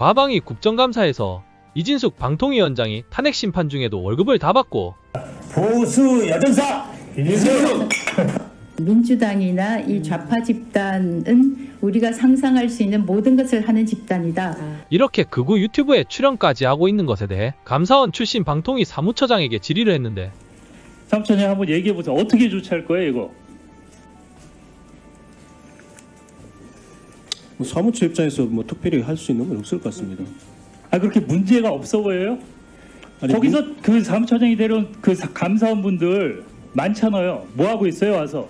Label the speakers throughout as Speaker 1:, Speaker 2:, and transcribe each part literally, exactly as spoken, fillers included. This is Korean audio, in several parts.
Speaker 1: 과방위 국정감사에서 이진숙 방통위원장이 탄핵 심판 중에도 월급을 다 받고
Speaker 2: 보수 여전사 이진숙
Speaker 3: 민주당이나 이 좌파 집단은 우리가 상상할 수 있는 모든 것을 하는 집단이다.
Speaker 1: 이렇게 극우 유튜브에 출연까지 하고 있는 것에 대해 감사원 출신 방통위 사무처장에게 질의를 했는데
Speaker 2: 삼촌이 한번 얘기해보세요. 어떻게 조치할 거예요 이거?
Speaker 4: 뭐 사무처 입장에서 뭐 특별히 할 수 있는 건 없을 것 같습니다.
Speaker 2: 아 그렇게 문제가 없어 보여요?
Speaker 4: 아니,
Speaker 2: 거기서
Speaker 4: 문-
Speaker 2: 그 사무처장이 데려온 그 사- 감사원분들 많잖아요. 뭐 하고 있어요 와서?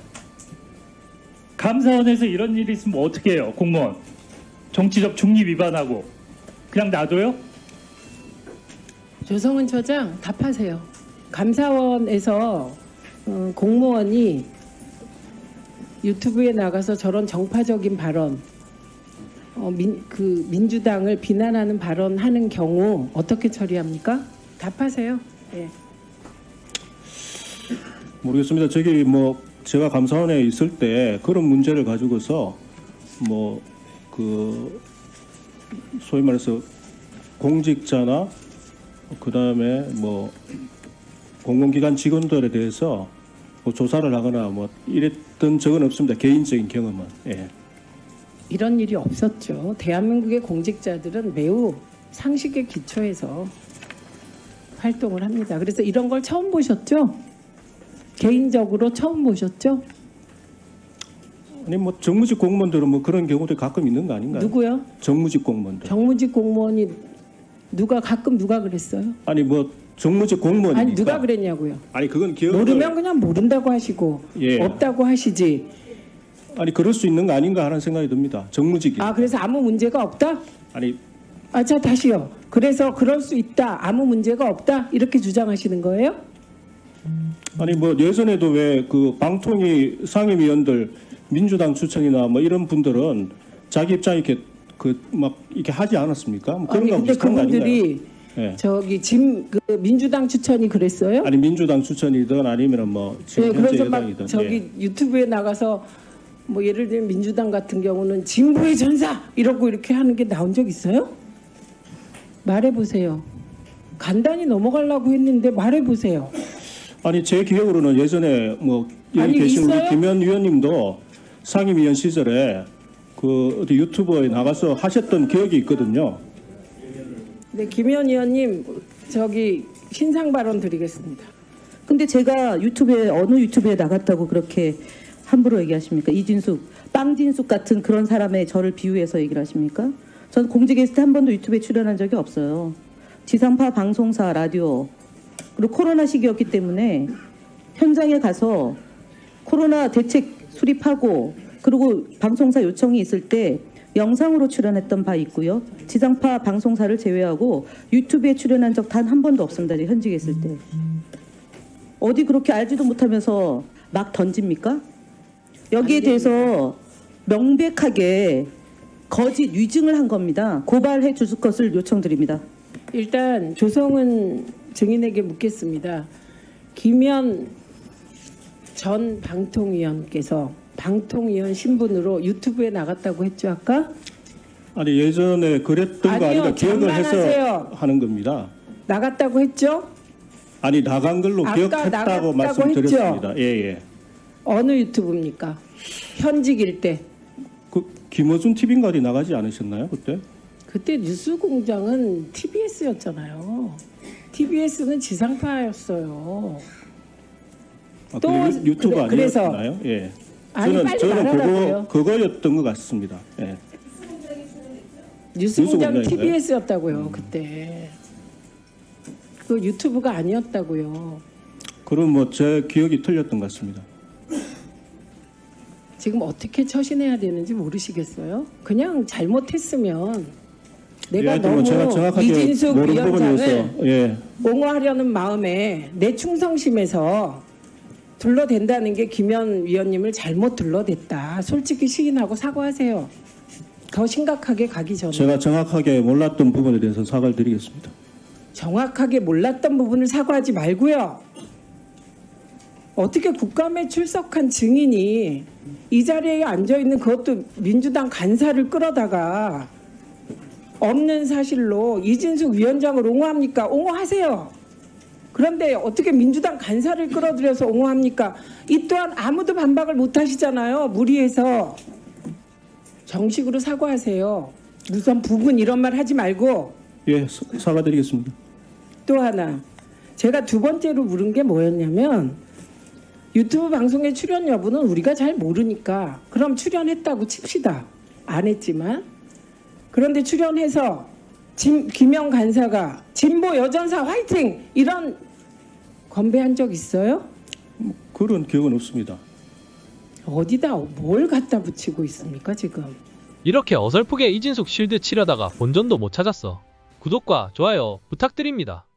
Speaker 2: 감사원에서 이런 일이 있으면 어떻게 해요 공무원? 정치적 중립 위반하고 그냥 놔둬요?
Speaker 5: 조성은 처장 답하세요. 감사원에서 어, 공무원이 유튜브에 나가서 저런 정파적인 발언, 어, 민, 그 민주당을 비난하는 발언하는 경우 어떻게 처리합니까? 답하세요. 예.
Speaker 4: 모르겠습니다. 저기 뭐 제가 감사원에 있을 때 그런 문제를 가지고서 뭐 그 소위 말해서 공직자나 그 다음에 뭐 공공기관 직원들에 대해서 뭐 조사를 하거나 뭐 이랬던 적은 없습니다. 개인적인 경험은. 예.
Speaker 5: 이런 일이 없었죠. 대한민국의 공직자들은 매우 상식에 기초해서 활동을 합니다. 그래서 이런 걸 처음 보셨죠? 개인적으로 처음 보셨죠?
Speaker 4: 아니 뭐 정무직 공무원들은 뭐 그런 경우도 가끔 있는 거 아닌가요?
Speaker 5: 누구요?
Speaker 4: 정무직 공무원들.
Speaker 5: 정무직 공무원이 누가 가끔 누가 그랬어요?
Speaker 4: 아니 뭐 정무직 공무원이니까.
Speaker 5: 아니 누가 그랬냐고요?
Speaker 4: 아니 그건 기억.
Speaker 5: 모르면 그냥 모른다고 하시고
Speaker 4: 예.
Speaker 5: 없다고 하시지.
Speaker 4: 아니 그럴 수 있는 거 아닌가 하는 생각이 듭니다. 정무직이.
Speaker 5: 아 그래서 아무 문제가 없다?
Speaker 4: 아니
Speaker 5: 아 자 다시요. 그래서 그럴 수 있다. 아무 문제가 없다. 이렇게 주장하시는 거예요?
Speaker 4: 아니 뭐 예전에도 왜 그 방통위 상임위원들 민주당 추천이나 뭐 이런 분들은 자기 입장 이렇게 그 막 이렇게 하지 않았습니까? 뭐 그런
Speaker 5: 아니
Speaker 4: 거
Speaker 5: 근데
Speaker 4: 비슷한 거 아닌가요?
Speaker 5: 그분들이
Speaker 4: 예.
Speaker 5: 저기 짐 그 민주당 추천이 그랬어요?
Speaker 4: 아니 민주당 추천이든 아니면은 뭐 지금
Speaker 5: 네,
Speaker 4: 현재
Speaker 5: 그래서 막
Speaker 4: 여당이든.
Speaker 5: 저기
Speaker 4: 예.
Speaker 5: 유튜브에 나가서 뭐 예를 들면 민주당 같은 경우는 진보의 전사 이러고 이렇게 하는 게 나온 적 있어요? 말해보세요. 간단히 넘어가려고 했는데 말해보세요.
Speaker 4: 아니 제 기억으로는 예전에 뭐 여기
Speaker 5: 아니,
Speaker 4: 계신
Speaker 5: 있어요?
Speaker 4: 우리 김현 위원님도 상임위원 시절에 그 어디 유튜브에 나가서 하셨던 기억이 있거든요.
Speaker 5: 네, 김현 의원님 저기 신상 발언 드리겠습니다.
Speaker 6: 근데 제가 유튜브에 어느 유튜브에 나갔다고 그렇게 함부로 얘기하십니까? 이진숙, 빵진숙 같은 그런 사람의 저를 비유해서 얘기를 하십니까? 전 공직 게스트 한 번도 유튜브에 출연한 적이 없어요. 지상파 방송사 라디오 그리고 코로나 시기였기 때문에 현장에 가서 코로나 대책 수립하고 그리고 방송사 요청이 있을 때 영상으로 출연했던 바 있고요. 지상파 방송사를 제외하고 유튜브에 출연한 적 단 한 번도 없습니다. 현직에 있을 때. 어디 그렇게 알지도 못하면서 막 던집니까? 여기에 대해서 명백하게 거짓 위증을 한 겁니다. 고발해 주실 것을 요청드립니다.
Speaker 5: 일단 조성은 증인에게 묻겠습니다. 김현 전 방통위원께서 방통위원 신분으로 유튜브에 나갔다고 했죠 아까?
Speaker 4: 아니 예전에 그랬던 거
Speaker 5: 아니요,
Speaker 4: 아니라 기억을 해서
Speaker 5: 장난하세요.
Speaker 4: 하는 겁니다.
Speaker 5: 나갔다고 했죠?
Speaker 4: 아니 나간 걸로
Speaker 5: 아까
Speaker 4: 기억했다고
Speaker 5: 나갔다고
Speaker 4: 말씀드렸습니다. 예예.
Speaker 5: 어느 유튜브입니까? 현직일 때.
Speaker 4: 그 김어준 티비인가 어디 나가지 않으셨나요 그때?
Speaker 5: 그때 뉴스공장은 티비에스였잖아요. 티비에스는 지상파였어요.
Speaker 4: 아,
Speaker 5: 또
Speaker 4: 또 유튜브
Speaker 5: 그래- 그래서-
Speaker 4: 아니었나요? 예.
Speaker 5: 아니,
Speaker 4: 저는
Speaker 5: 빨리
Speaker 4: 저는
Speaker 5: 말하라고요.
Speaker 4: 그거 그거였던 것 같습니다. 예.
Speaker 5: 뉴스공장
Speaker 4: 뉴스공장인가요?
Speaker 5: 티비에스였다고요. 그때. 그 유튜브가 아니었다고요.
Speaker 4: 그럼 뭐 제 기억이 틀렸던 것 같습니다.
Speaker 5: 지금 어떻게 처신해야 되는지 모르시겠어요? 그냥 잘못했으면
Speaker 4: 예,
Speaker 5: 내가
Speaker 4: 하여튼
Speaker 5: 너무
Speaker 4: 뭐 제가 정확하게
Speaker 5: 이진숙
Speaker 4: 모르는
Speaker 5: 위원장을
Speaker 4: 부분이어서 예.
Speaker 5: 옹호하려는 마음에 내 충성심에서 둘러댄다는 게 김현 위원님을 잘못 둘러댔다. 솔직히 시인하고 사과하세요. 더 심각하게 가기 전에.
Speaker 4: 제가 정확하게 몰랐던 부분에 대해서 사과를 드리겠습니다.
Speaker 5: 정확하게 몰랐던 부분을 사과하지 말고요. 어떻게 국감에 출석한 증인이 이 자리에 앉아있는 그것도 민주당 간사를 끌어다가 없는 사실로 이진숙 위원장을 옹호합니까? 옹호하세요. 그런데 어떻게 민주당 간사를 끌어들여서 옹호합니까? 이 또한 아무도 반박을 못 하시잖아요. 무리해서. 정식으로 사과하세요. 우선 부분 이런 말 하지 말고.
Speaker 4: 예, 사- 사과드리겠습니다.
Speaker 5: 또 하나, 제가 두 번째로 물은 게 뭐였냐면 유튜브 방송에 출연 여부는 우리가 잘 모르니까 그럼 출연했다고 칩시다. 안 했지만. 그런데 출연해서 진, 김영 간사가 진보 여전사 화이팅! 이런 건배한 적 있어요?
Speaker 4: 그런 기억은 없습니다.
Speaker 5: 어디다 뭘 갖다 붙이고 있습니까 지금?
Speaker 1: 이렇게 어설프게 이진숙 실드 치려다가 본전도 못 찾았어. 구독과 좋아요 부탁드립니다.